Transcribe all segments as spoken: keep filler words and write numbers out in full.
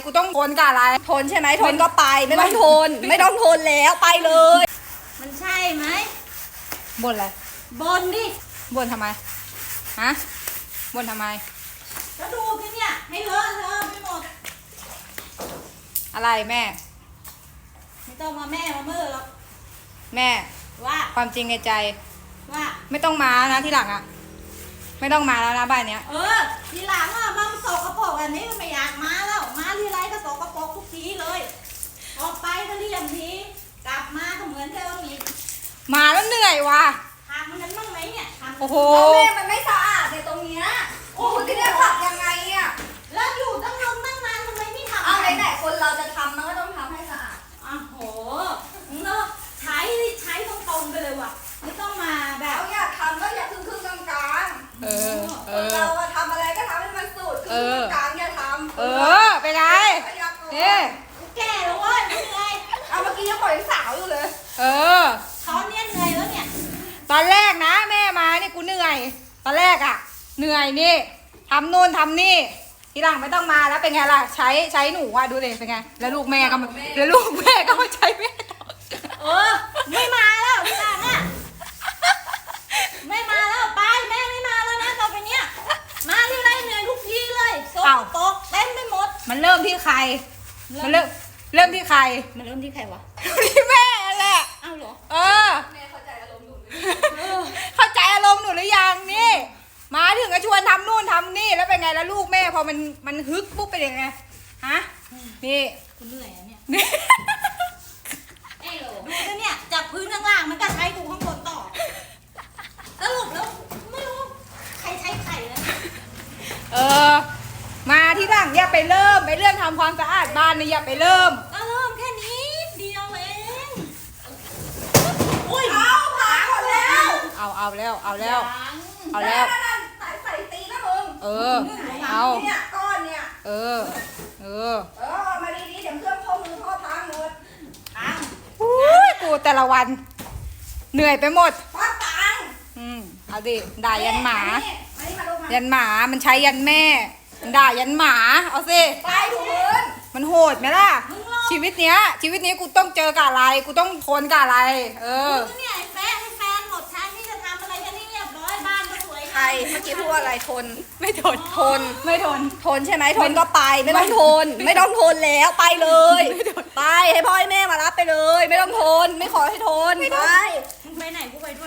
กูต้องทนกับอะไรทนใช่ไหมทนก็ไปไม่ต้องทนไม่ต้องทนแล้วไปเลยมันใช่ไหมบ่นอะไรบนดิบ่นทำไมฮะบ่นทำไมก็ดูสิเนี่ยให้เลอะเทอะไปหมดอะไรแม่ไม่ต้องมาแม่มาเมื่อหรอกแม่ว่าความจริงในใจว่าไม่ต้องมานะที่หลังอ่ะไม่ต้องมาแล้วนะบ้านเนี้ยเออทีหลังอ่ะมันสกปรกแบบนี้มันไม่อยากมาแล้วมาทีไรก็สกปรกทุกทีเลยออกไปก็เรียมทีกลับมาก็เหมือนเดิมอีกมาแล้วเหนื่อยว่ะทำมันบ้างไหมเนี่ยทำโอ้โหแม่มันไม่สะอาดเนี่ยตรงเนี้ยโอ้โหที่เนี่ยขับยังไงอ่ะแล้วอยู่ตั้งนานตั้งนานทำไมไม่ทำเอาไหนๆคนเราจะทำมันก็ต้องทำให้สะอาดอ้าวโหเนาะใช้ใช้ตรงๆไปเลยว่ะไม่ต้องมาแบแล้บวอยากทำก็อย่าครึ่งครึ่งกลางกลางเออเอคนอเราอะทำอะไรก็ทำให้มันสุดครึ่งครึ่งกลางอย่าทำเออไปไงนี่แก่แล้วเว้ยไม่เหนื่อยเอาเมื่อกี้ยังปล่อยสาวอยู่เลยเออเขาเนี่ยเหนื่อยแล้วเนี่ยตอนแรกนะแม่มานี่กูเหนื่อย ตอนแรกอ่ะ เหนื่อยนี่ทำนู่นทำนี่ทีหลังไม่ต้องมาแล้วเป็นไงล่ะใช้ใช้หนูอ่ะดูเลยเป็นไงแล้วลูกแม่ก็มาแล้วลูกแม่ก็มาใช้แม่ต่อเออไม่มาแล้วทีหลังอ่ะไม่มาแล้วไปแม่ไม่มาแล้วนะต่อไปเนี้ยมาที่ไรเหนื่อยทุกทีเลยโซกโปกเต็มไปหมดมันเริ่มที่ใคร มันเริ่มเริ่มที่ใครมันเริ่มที่ใครวะที่แม่แหละอ้าวเหรอเออแม่เข้าใจอารมณ์หนูไหมเข้าใจอารมณ์หนูหรือยังนี่ มาถึงก็ชวนทำนู่นทำนี่แล้วเป็นไงแล้วลูกแม่พอมันมันฮึกปุ๊บเป็นยังไงฮะนี่กูเหนื่อยอะเนี่ยนี่ไอ้โหลดูสิเนี่ยจับพื้นข้างล่างมันก็ใช้กูข้างบนต่อสรุปแล้วไม่รู้ใครใช้ไข่แล้วเนี่ยเออ มาที่หลังอย่าไปเริ่มไปเรื่องทำความสะอาดบ้านนี่อย่าไปเริ่มก็เริ่มแค่นิดเดียวเองอุ้ยเอาผ่าหมดแล้วเอาเอาแล้วเอาแล้วยังเอาแล้วนั่นๆสายใส่ตีนะมึงเออ เอาเนี่ยก้อนเนี่ยเออ เออเออเอามาดีๆเดี๋ยวเครื่องข้อมือพ่อพังหมดตังอุ้ยกูแต่ละวัน เหนื่อยไปหมดพ่อตังอืมเอาดิด่ายันหมาอันนี้อันนี้มาลงมายันหมามันใช้ยันแม่มันด่ายันหมา เอาสิไปถูพื้นมันโหดไหมล่ะ ชีวิตเนี้ย ชีวิตนี้กูต้องเจอกับอะไร กูต้องทนกับอะไร เออมึงเนี่ยไอ้แฟนไอ้แฟนหมดชั้นนี่จะทำอะไรกันนี่เรียบร้อยบ้านก็สวยใครเมื่อกี้พูดว่าอะไรทนไม่ทนทนไม่ทนทนใช่ไหมทนก็ไปไม่ต้องทน ไม่ต้องทนแล้วไปเลย ไปให้พ่อให้แม่มารับไปเลย ไม่ต้องทน ไม่ขอให้ทนไปมึงไปไหนกูไปด้วย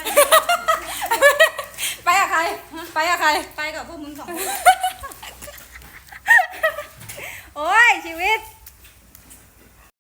ไปกับใคร ไปกับใครไปกับพวกมึงสองคนโอ้ยชีวิต